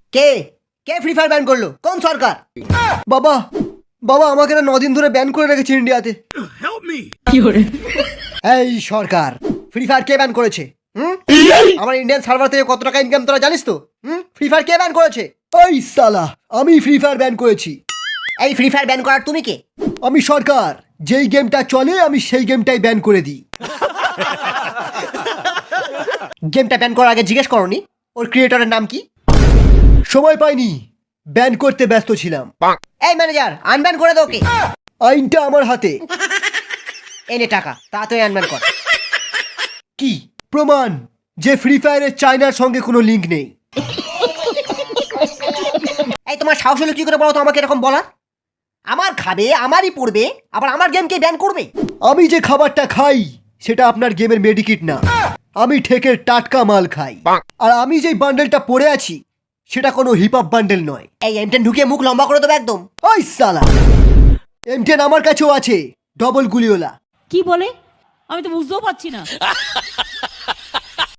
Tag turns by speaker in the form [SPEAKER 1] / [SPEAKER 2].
[SPEAKER 1] কে কে Free Fire ban করলো? কোন সরকার? বাবা বাবা আমাকে না 9 দিন ধরে ব্যান করে রেখেছে ইন্ডিয়াতে। এই সরকার, ফ্রি ফায়ার কে ব্যান করেছে? আমার ইন্ডিয়ান সার্ভার থেকে কত টাকা ইনকাম তোরা জানিস তো? ফ্রি ফায়ার কে ব্যান করেছে? ওই সালা, আমি ফ্রি ফায়ার ব্যান করেছি। এই ফ্রি ফায়ার ব্যান করার তুমি কে? আমি সরকার, যেই গেমটা চলে আমি সেই গেমটাই ব্যান করে দিই। গেমটা ব্যান করার আগে জিজ্ঞেস করনি ওর ক্রিয়েটরের নাম কি? সময় পাইনি, ব্যান করতে ব্যস্ত ছিলাম। এই ম্যানেজার, আনব্যান করে দাও ওকে। আইনটা আমার হাতে। এনে টাকা, তাড়াতাড়ি আনব্যান কর। কি প্রমাণ যে ফ্রি ফায়ারের চায়নার সঙ্গে কোনো লিঙ্ক নেই? এই তোমার সাহস হলো কি করে বলো তো আমাকে এরকম বলার? আমার খাবে, আমারই পড়বে, আবার আমার গেমকে ব্যান করবে? আমি যে খাবারটা খাই সেটা আপনার গেমের মেডিকিট না, আমি ঠেকের টাটকা মাল খাই। আর আমি যেই বান্ডেলটা পরে আছি সেটা কোনো হিপ হপ বান্ডেল নয়। এই M10 ঢুকিয়ে মুখ লম্বা করে দেবো একদম। ওই সালা, M10 আমার কাছেও আছে, ডবল গুলিওলা।
[SPEAKER 2] কি বলে আমি তো বুঝতেও পারছি না।